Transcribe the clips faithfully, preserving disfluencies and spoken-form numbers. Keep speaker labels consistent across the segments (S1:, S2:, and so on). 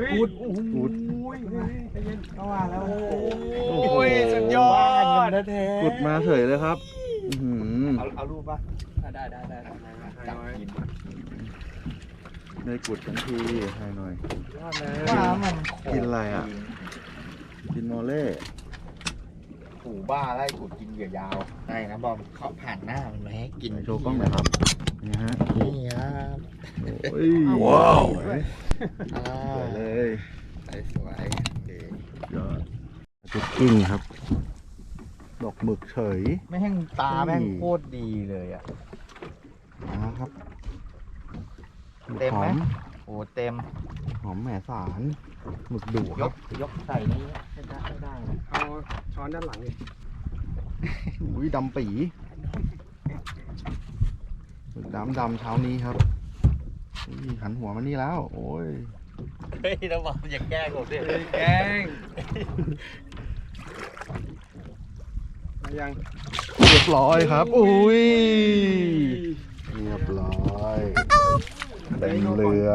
S1: กุด
S2: กุด
S1: ใจเย็นเข้ามาแล้ว
S2: โอ้ยสุดยอดกุดมาเฉยเลยครับเอาเอารูปป่ะได้ได้ได้จับกินได้กุดทั้งทีให้หน่อยว่ามันกินอะไรอ่ะกินโมเล่ผูบ้าไล่กุดกินเหยื่อยาวได้นะบอมเขาผ่านหน้ามันมาให้กินโชว์กล้องหน่อยครับนี่ฮะนี่ครับโอ้ยว้าวสวยเลยสวยยอดจุดกิ้งครับดอกหมึกเฉยไม่แห้งตาแม่งโคตรดีเลยอ่ะนะครับเต็มไหมโอ้เต็มหอมแหมสารหมึกดุยกยกใส่นี้ไม่ได้ไม่ได้เอาช้อนด้านหลังเลยอุ้ยดำปีหมึกดำดำเช้านี้ครับหันหัวมานี่แล้วโอ้ยเฮ้ยเราบอกอย่าแกล้งผมดิแกล้งยังเรียบร้อยครับอุ้ยเรียบร้อยเต็มเรือ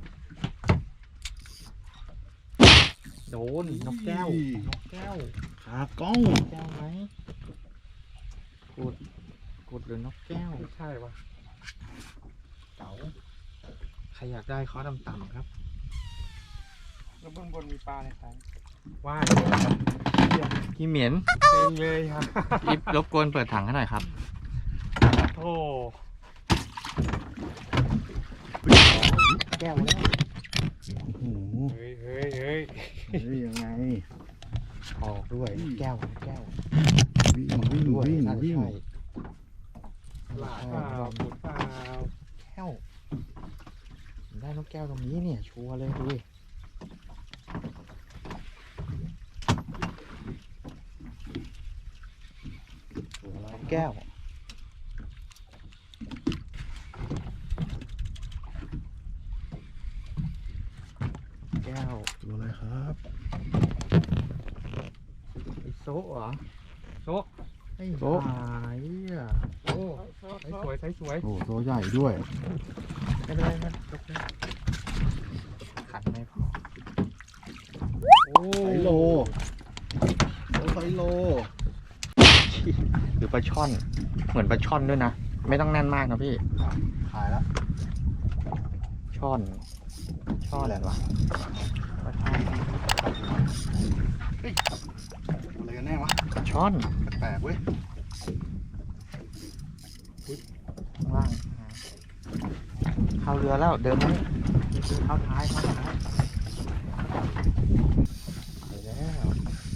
S2: โดนนกแก้วนกแก้วขากล้องแก้วไหมกุดกุดหรือนกแก้วไม่ใช่วะเก๋าใครอยากได้ข้อต่ำๆครับแล้วเบื้องบนมีปลาอะไรครับว่ายพี่เหมียนเต็มเลยครับอิฟรบกวนเปิดถังให้หน่อยครับโอ้แก้วแล้วโอ้โหเฮ้ยเฮ้ยเฮ้ยเฮ้ยยังไงออกด้วยแก้วแก้ววิ่งวิ่งวิ่งวิ่งหลาเปล่าปุดเปล่าแก้วได้นกแก้วตรงนี้เนี่ยชัวร์เลยดูแก้วแก้วดูอะไรครับไอโซ่เหรอโซ่ไอ้โซ่อ่ะโอ้ใช้สวยใช้สวยโอ้โซ่ใหญ่ด้วยไม่เป็นไรนะยกได้ขันไม่พอโอ้ไซโลโอ้ไซโลหรือปลาช่อนเหมือนปลาช่อนด้วยนะไม่ต้องแน่นมากนะพี่ขายแล้วช่อนช่อนอะไรวะปลาช่อนเฮ้ยอะไรกันแน่วะช่อนแปลกเว้ยข้างล่างเข้าเรือแล้วเดินไหมเข้าท้ายเข้าท้ายไปแล้ว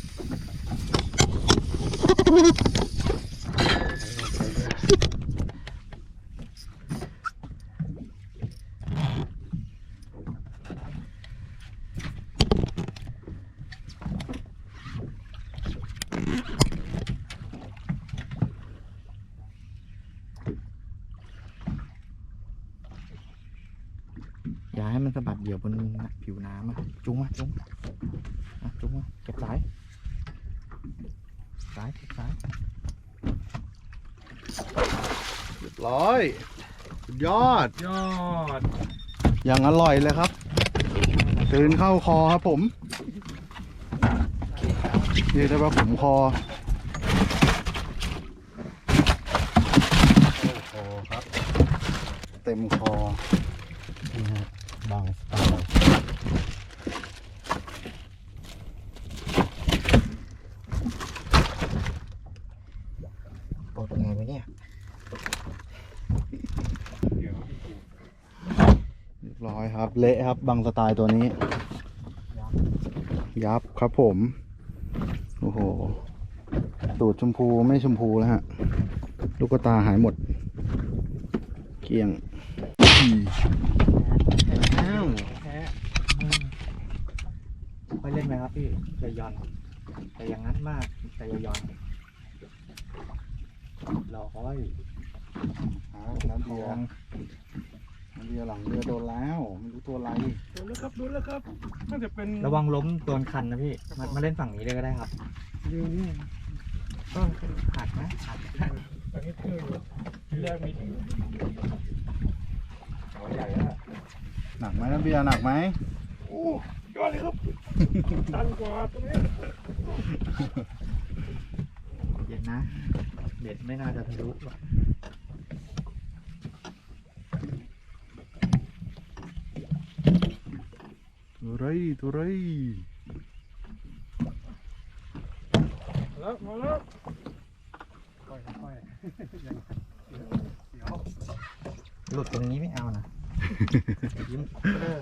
S2: อย่าให้มันสะบัดเดี่ยวบนผิวน้ำอ่ะจุ้งมาจุ้งมาจุ้งมาเก็บสายสายเก็บสายเรียบร้อยสุดยอดยอดอย่างอร่อยเลยครับตื่นเข้าคอครับผมเรียกได้ว่าผมคอคอครับเต็มคอนี่ฮะบางสไตล์ปลดไงวะเนี่ยเรียบร้อยครับเละครับบางสไตล์ตัวนี้ยับครับผมโอ้โหตูดชมพูไม่ชมพูแล้วฮะลูกตาหายหมดเกลี้ยงค่อยเล่นไหมครับพี่จะย่อนแต่อย่างนั้นมากแต่อย่าย่อนรอค่อยหาน้ำเบียร์น้ำเบียร์หลังเรือโดนแล้วไม่รู้ตัวอะไรโดนแล้วครับโดนแล้วครับน่าจะเป็นระวังล้มโดนคันนะพี่มามาเล่นฝั่งนี้เลยก็ได้ครับเรือนี่ก็หักนะหักอันนี้คือเรือมีหนักไหมน้ำเบียร์หนักไหมโอ้ย
S1: ยอดเลยครับตันกว่าตรงนี้
S3: เย็นนะเด็ดไม่น่าจะทะลุหรอก
S2: ตัวไรตัวไร
S1: แล้วมาแล้วค่อยค่อยเดี๋ยว
S3: หลุดตรงนี้ไม่เอานะยิ้มเออ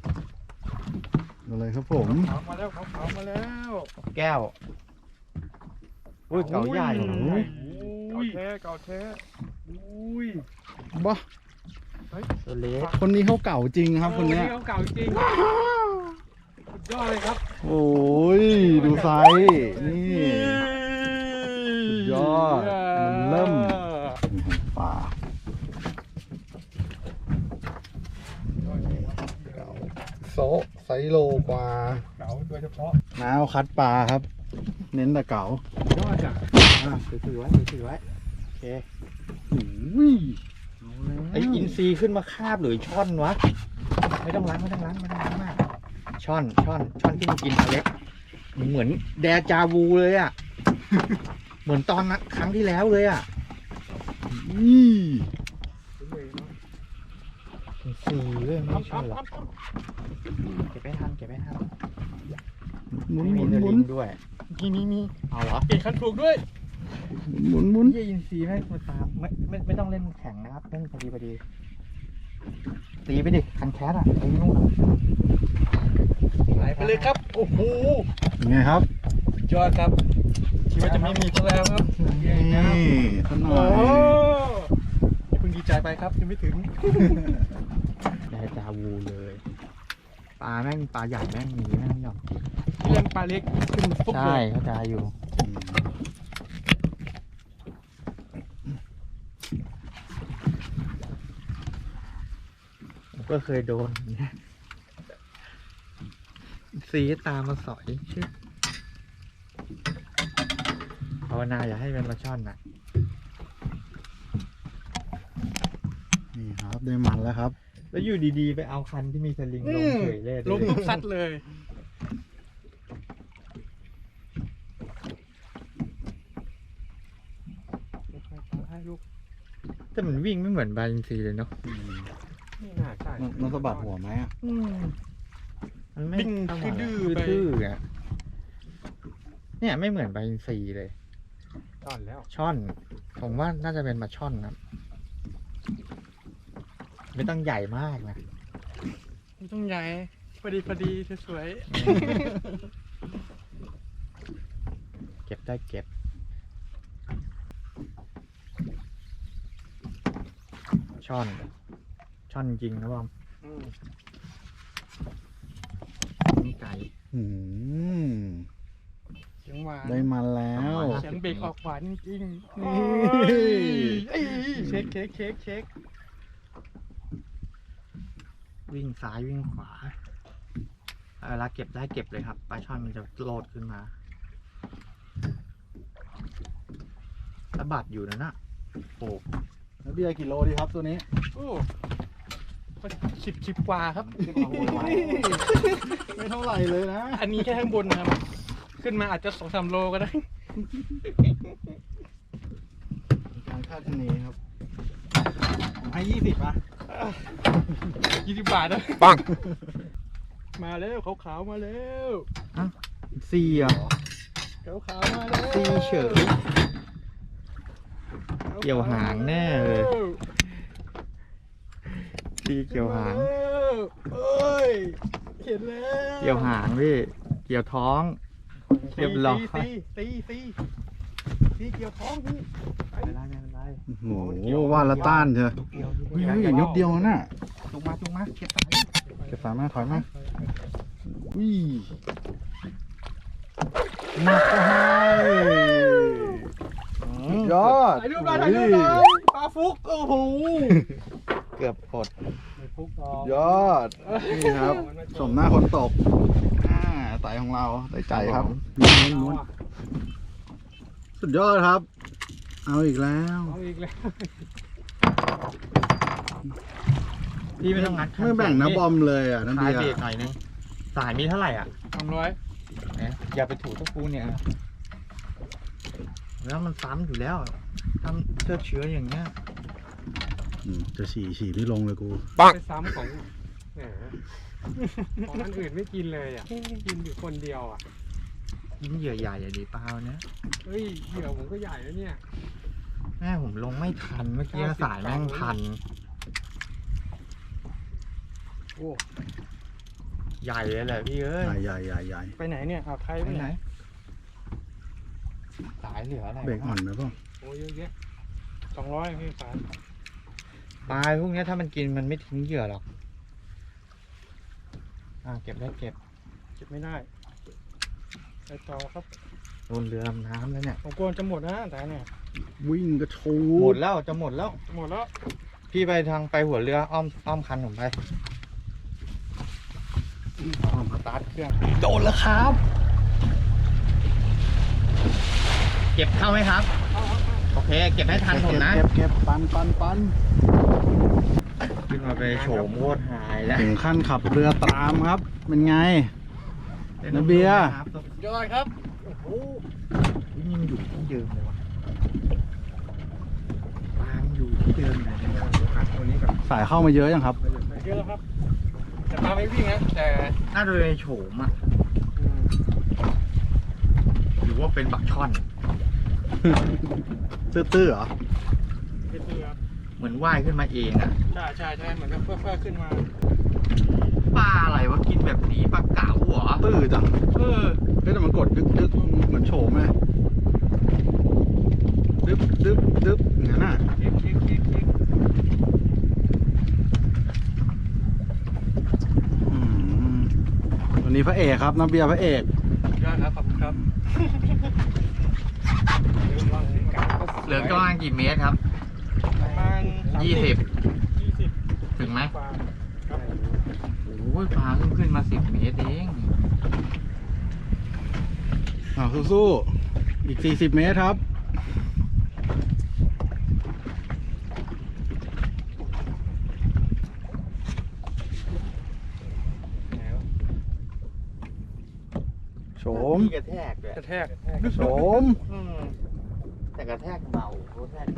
S2: อะไรครับผม
S1: ขาวมาแล้วขาวมาแล้ว
S3: แก้วอุ้ยเก่าใหญ่
S1: โอ้
S3: โอ้
S1: ย
S3: ย
S1: เก่าแท้เก่าแท้อุ้ย
S2: บ้า
S3: ตัวเล็ก
S2: คนนี้เขาเก่าจริงครับคนเนี้ย
S1: เขาเก่าจริงสุดยอดเลยครับ
S2: โอ้ยดูไซส์นี่สุดยอดมันเริ่มป่าโซะไซส์โลกว่า
S1: เก่าโดยเฉพาะ
S2: น้าวคัดปลาครับ เน้นแต่เก๋าย
S1: อดจ้ะ
S3: อ่ะถือไว้ถือไว้โอเค
S2: อุ้ย
S3: ไออินซีขึ้นมาคาบหรือช่อนวะไม่ต้องล้างไม่ต้องล้างไม่ต้องล้างมากช่อนช่อนช่อนที่มันกินปลาเล็กเหมือนแดจาวูเลยอ่ะ เหมือนตอนนั้นครั้งที่แล้วเลยอ่ะ
S2: นี่
S3: อินซีเลยไม่ใช่หรอกเก็บไปทันเก็บไปทัน
S2: หมุน
S3: ไม่
S2: ห
S3: มี
S2: มุน
S3: เนื้อ
S2: หมุ
S3: ลิ
S2: น
S3: งด้วย
S1: มีมีมี
S3: เอาเหรอ
S1: เปลี่ยนคันถูกด้วย
S2: หมุนหมุน
S3: เยี่ยอินซีไม่มาตามไม่ไม่ไม่ต้องเล่นแข่งนะครับเล่นพอดีพอดีตีไปดิคันแคสอ่ะตีนู่นอ่ะ
S1: ไหลไปเลยครับโอ้โห
S2: ยังไงครับ
S1: ยอดครับคิดว่าจะไม่มีซะแล้วครับ
S2: นี่ท่านหน่
S1: โอ้
S2: อย
S1: โหอย่าเพิ่งดีใจไปครับยังไม่ถึง
S3: แดจาวูเลยปลาแม่งปลาใหญ่แม่งมีแม่งไม่ยอมกิน
S1: เล่นปลาเล็กขึ้นฟุบเล
S3: ใช่
S1: ย
S3: เข้าใจอยู่ผมก็เคยโดนอย่างเงี้ยซีตามมาสอยชื่อภาวนาอย่าให้เป็นปลาช่อนนะ
S2: นี่ครับได้มันแล้วครับ
S3: แล้วอยู่ดีๆ ไปเอาคันที่มีสลิงลงเฉยเลย
S1: ลงทุกซัดเลย
S3: แต่มันวิ่งไม่เหมือนบาลินซีเลยเนาะ
S1: นี่น่าใช่
S2: มันมันสะบัดหัวไหมอ่ะ
S3: มันไม่
S1: วิ่งดื้อๆไป
S3: ดื้อๆอะเนี่ยไม่เหมือนบาลินซีเลย
S1: ตอนแล้ว
S3: ช่อน ผมว่าน่าจะเป็นมาช่อนครับ ไม่ต้องใหญ่มากนะ
S1: ไม่ต้องใหญ่พอดีพอดีสวย
S3: เก็บได้เก็บ ช่อน ช่อนจริงนะบอม
S1: ๆอืม
S3: นี่ไก่
S2: อืม
S1: เสียงหวาน
S2: ได้มันแล้ว
S1: เสียงเบรกออกหวานจริงๆ
S2: นี่
S1: เอ้ยเช็คเช็คเช็คเช็ค
S3: วิ่งซ้ายวิ่งขวาเวลาเก็บได้เก็บเลยครับปลาช่อนมันจะโลดขึ้นมาสะบัดอยู่นะน่ะโอ้
S2: แล้วเบียร์กี่โลดีครับตัวนี้
S1: โอ้สิบสิบกว่าครับ
S2: ไม่เท่าไหร่เลยนะ
S1: อันนี้แค่ข้างบนนะครับ ขึ้นมาอาจจะสองสามโลก็ได้
S2: การคาดคะเนครับผมให้ยี่สิบอ่ะ
S1: ยี่สิบบาทนะ
S3: ปัง
S1: มาแล้วขาวๆมาแล้ว
S3: ซีเหรอ
S1: ขาวๆมาแล้ว
S3: ซีเฉย เกี่ยวหางแน่เลย ซีเกี่ยวหาง
S1: เอ้ยเห็นแล้ว
S3: เกี่ยวหางพี่เกี่ยวท้องเรียบร้อย
S1: ตีตีตีตีเกี่ยวท้องพี่
S3: ไม่เป็นไรไม่เป็นไร
S2: โอ้โหว่าละต้านเถอะ
S3: เกี่ยว
S2: เฮ้ยนิดเดียวน่ะ
S3: จุงมาจุงมาเก็บสาย
S2: เก็บสายมาถอยมาอุ้ย
S3: หนักก็ให้
S2: สุดยอด
S1: ถ่ายรูปได้ถ่ายรูปได้ปลาฟุกโอ้โห
S3: เกือบอด
S1: ฟุกต่อย
S2: อด นี่ครับสมหน้าคนตกอ่าไต่ของเราได้ใจครับม้วนม้วนสุดยอดครับ เอาอีกแล้ว
S1: เอาอีกแล้ว
S3: พี่ไม่ต้องงัดคัน
S2: ไม่แบ่งนะบอมเลยอ่ะนั่น
S3: คลาย
S2: เดีย
S3: เบรกหน่อยนึงสายมีเท่าไหร่อ่ะ
S1: สามร้อย
S3: เนี่ยอย่าไปถูตะปูเนี่ยแล้วมันซ้ำอยู่แล้วทำเชื้อเชื้ออย่างเงี้ย
S2: อืมจะฉี่ฉี่ไม่ลงเลยกู
S1: ไปซ้ำของแหมของอันอื่นไม่กินเลยอ่ะกินอยู่คนเดียวอ่ะ
S3: กินเหยื่อใหญ่อะดีเปล่าเนี่ย
S1: เฮ้ยเหยื่อผมก็ใหญ่แล้วเนี่ย
S3: แม่ผมลงไม่ทันเมื่อกี้สายแม่งพัน
S1: โอ้
S3: ใหญ่เลยแหละพี่เอ้ย
S2: ใหญ่ใหญ่ใหญ่ใหญ่
S1: ไปไหนเนี่ยอ่าวไทย
S3: ไป
S1: ไป
S3: ไห
S1: ไห
S3: น
S1: น
S3: สายเหลืออะไร
S2: เบรกอ่อนไหมพ่อ
S1: โอ้เยอะแยะสองร้อยพี่สาร
S3: ปลาพวกเนี้ยถ้ามันกินมันไม่ทิ้งเหยื่อหรอกอ่าเก็บได้เก็บ
S1: เก็บไม่ได้ไปต่อครับ
S3: โดนเรือลำน้ำแล้วเนี่ย
S1: ผมกลัวจะหมดนะแต่เนี่ย
S2: วิ่งกระโช
S3: หม
S2: ก
S3: ดแล้วจะหมดแล้ว
S1: หมดแล้ว
S3: พี่ไปทางไปหัวเรืออ้อมอ้อมคันผมไปสตาร์ทเครื่องโดนแล้วครับ เก็บเข้าไหมครับ โอเค เก็บให้ทันผมนะ
S2: เก็บเก็บปันปันปัน
S3: ขึ้นมาไปโฉมโคตรหายแล้ว
S2: ถึงขั้นขับเรือตามครับ เป็นไง น้ำเบียร์
S1: ยอดครับ
S3: วิ่งยังอยู่ที่เดิมเลยวะวางอยู่ที่เดิมเลยเนี่ย
S1: หักตัวนี้ก่อน
S2: สายเข้ามาเยอะยังครับ
S1: เยอะแล้วครับแต่ปลาไม่วิ่งนะแต่
S3: น่าจะเป็นโฉมอ่ะ
S1: อืม
S3: หรือว่าเป็นบักช่อน
S2: ตื้อๆเหรอ
S1: เป็นเรือครับ
S3: เหมือนว่ายขึ้นมาเองอ่ะ
S1: ใช่ใช่ใช่เหมือนกับเพื่อเพื่อขึ้นมา
S3: ปลาอะไรวะกินแบบนี้ปลาเก๋าเหรอ
S2: ตื้อจัง
S3: เออ
S2: เฮ้ยแต่มันกดดึกดึกเหมือนโฉมไหมดึบดึบดึบอย่างนั้นน่ะ
S1: คลิกคลิกคลิกคลิก
S2: อืมวันนี้พระเอกครับน้ำเบียร์พระเอก
S1: ยอดครับขอบคุณครับ
S3: เหลือกว้างกี่เมตรครับ
S1: ประมาณ
S3: ยี่สิบ
S1: ยี่สิบ
S3: ถึงไหม
S1: กว่าครับ
S3: โอ้ยปลาเพิ่งขึ้นมาสิบเมตรเอง
S2: อ้าวสู้ๆอีกสี่สิบเมตรครับ โฉม
S3: มีกระแทกด้วย
S1: กระแทก
S2: โฉม
S3: อืมแต่กระแทกเบากระแทก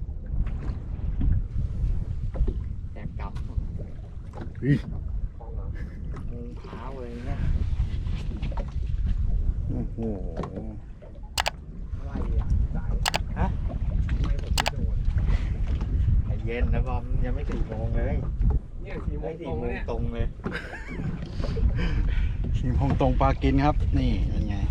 S3: แทกกลับ
S2: เฮ้ย
S3: มุงเท้าเลยเนี่ย
S2: โอ้โห
S3: อะไรอ่ะสายฮะไม่ผมไม่โดนใจเย็นนะบอมยังไม่สี่โมงเลย
S1: เนี่ยสี่โม
S3: ไม่
S1: งต
S3: สี่
S1: รง
S3: โม
S1: แล้ว
S3: ง
S1: เนี่ย
S3: ตรงเลย
S2: ชิมพงตรงปลากินครับ นี่เป็นไง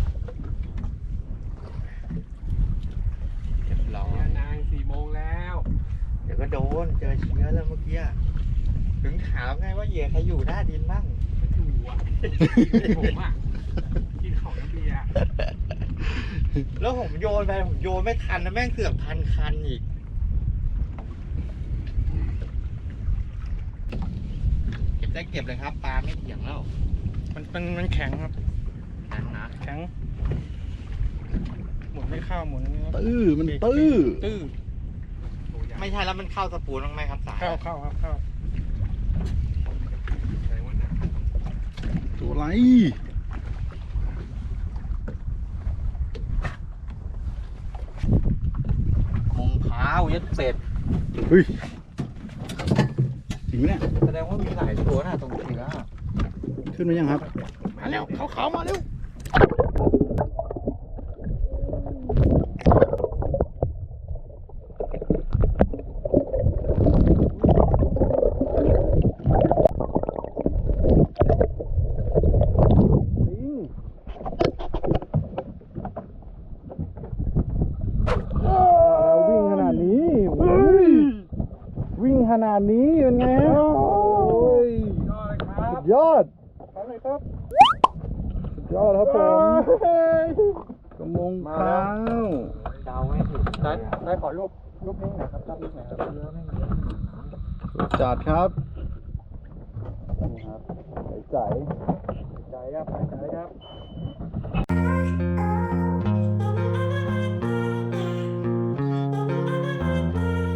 S3: เรียบร้อย
S1: นางสี่โมงแล้ว
S3: เดี๋ยวก็โดนเจอเชื้อแล้วเมื่อกี้ถึงถามไงว่าเหยื่อใครอยู่หน้าดินบ้าง
S1: ไม่ถูกอ่ะผมอ่ะกินของน้ำเบียร์
S3: แล้วผมโยนไปผมโยนไม่ทันนะแม่งเสือกพันคันอีกเก็บได้เก็บเลยครับปลาไม่เถียงแล้ว
S1: มันมันมันแข็งครับ
S3: แข็งนะ
S1: แข็งหมุนไม่เข้าหมุนนี่
S2: ตื้อ มันตื้อ
S1: ตื้อ
S3: ไม่ใช่แล้วมันเข้าสปูนบ้างไหมครับสาย
S1: เข้าเข้าครับเข้า
S2: ตัวอะไร
S3: มงเท้ายัดเป็ด
S2: เฮ้ยจริงไหมเนี่ย
S3: แสดงว่ามีหลายตัวนะตรงเชื้อ
S2: ขึ้นมายังครับ
S3: มาแล้วเขาเขามาเร็ว
S2: วิ่งขนาดนี้โอ้ยวิ่งขนาดนี้เป็นไงฮะโอ้ย
S1: ยอดเลยครับ
S2: สุดยอดเลยครับ สุดยอดครับผมกระมงขาว
S3: เดาไม่ถูก
S1: ได้ได้ขอรูปรูปนี้หน่อยครับรูปนี้หน่อยครับ
S3: เยอะไม่เยอะ
S2: จัดครับนี่ครับใส
S1: ใจครับใจครับ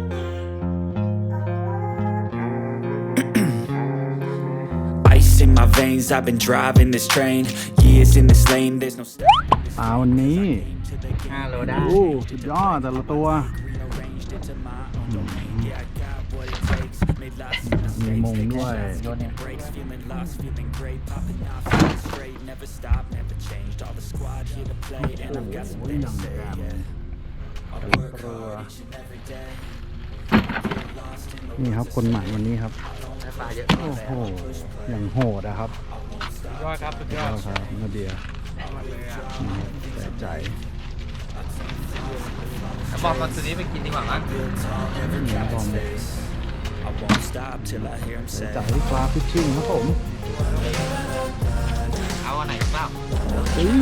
S4: Ice in my veins. I've been driving this train, years in this lane. There's no stop.
S1: ปลาวันนี้
S3: ห้าโลได้
S1: โอ้สุดยอดแต่ละตัวมีมงด้วย
S3: โยนเนี่ย
S4: Feeling lost, feeling great, popping off, feeling straight. Never stop, never changed. All the squad here to play, and I've got something to say. Yeah. I work hard each and every day.
S1: นี่ครับคนใหม่วันนี้ครับ
S3: ได้ปลาเยอะ
S1: โอ้โหอย่างโหดอะครับ
S3: สุดยอดครับสุดยอด
S1: ครับนาเดียแต่ใจ
S3: บอกมาตัวนี้ไปกินดีกว่ามั้ง
S1: นี่บอม
S4: I won't stop till I hear him
S1: แต่
S4: say.
S1: ใจปลาฟิชชิ่งครับผม
S3: เอาอันไหนเปล่า
S1: จริง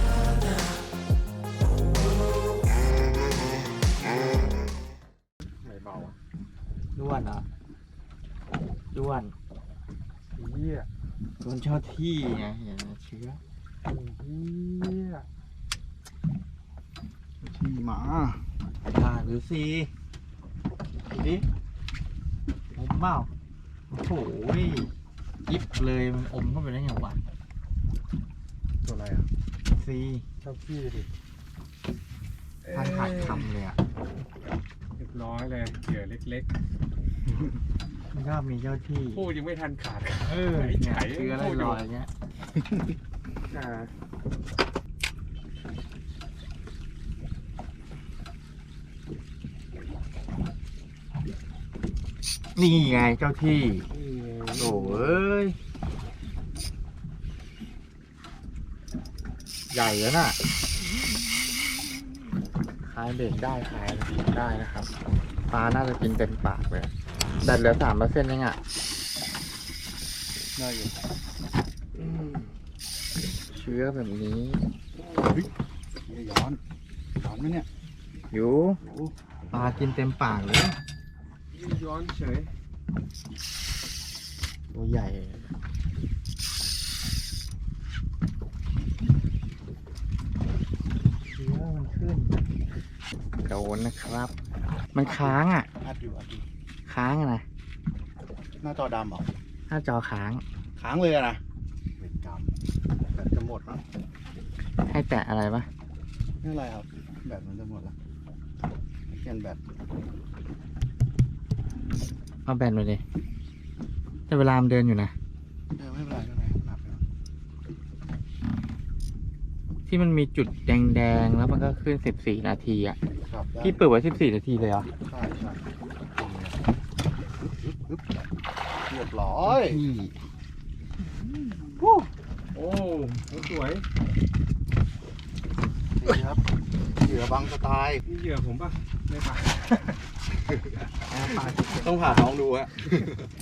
S2: ไม่เบาอ่ะ
S3: ด้วนเหรอด้วน
S1: เหี้ย
S3: โดนเจ้าที่ไงเห็นไหมเชื้อ
S1: เหี้ยที่หมา
S3: ผ่านหรือซีดูดิอมเปล่าโอ้โหยิบเลยมันอมเข้าไปได้ไงวะ
S1: ตัวอะไรอ่ะ
S3: ซี
S1: เจ้าขี้ดิ
S3: ทานขาดคำเลยอ่ะ
S1: เรียบร้อยเลยเหยื่อเล็ก
S3: มันก็มีเจ้าที่
S1: ๆพูดยังไม่ทันขาด
S3: เออเนี่ยเชื้อลอยๆอย่างเงี้ยนี่ไงเจ้าที่โอ้เอ้ยใหญ่แล้วน่ะคลายเบรกได้คลายได้นะครับปลาน่าจะกินเต็มปากเลยดัดเหลือสามเปอร์เซ็นต์เองอ่ะ
S1: ได้อยู่
S3: เชื้อแบบนี้
S1: อย่าย้อนย้อนไหมเนี่ย
S3: อยู่ปลากินเต็มปากเลย
S1: ย้อนเฉย
S3: ตัวใหญ่เชื้อมันขึ้นโดนนะครับ มันค้างอ่ะ
S2: อัดอยู่อัดอยู่
S3: ค้างอะนะ
S2: หน้าจอดำเหรอ
S3: หน้าจอค้าง
S2: ค้างเลยอะนะเวรกรรมแบตจะหมดมั้ง
S3: ให้แตะอะไรปะ
S2: ไม่เป็นไรครับแบตมันจะหมดแล้วเปลี่ยนแบต
S3: เอาแบนไปดิแต่เวลามันเดินอยู่นะ
S2: เออไม่เป็นไรไม่เป็นไรหนักแล้ว
S3: ที่มันมีจุดแดงๆ แล้วมันก็ขึ้นสิบสี่นาทีอ่ะ
S2: ครับได้
S3: พี่เปิดไว้สิบสี่นาทีเลยเหรอ
S2: ใช่ใช่ปึ๊บปึ๊บเรียบร้อย
S3: พี่
S1: โอ้สวย
S2: นี่ครับเหยื่อบางสไตล์
S1: นี่เหยื่อผมป่ะไม่ป่ะ
S2: ต้องผ่าท้องดูฮะ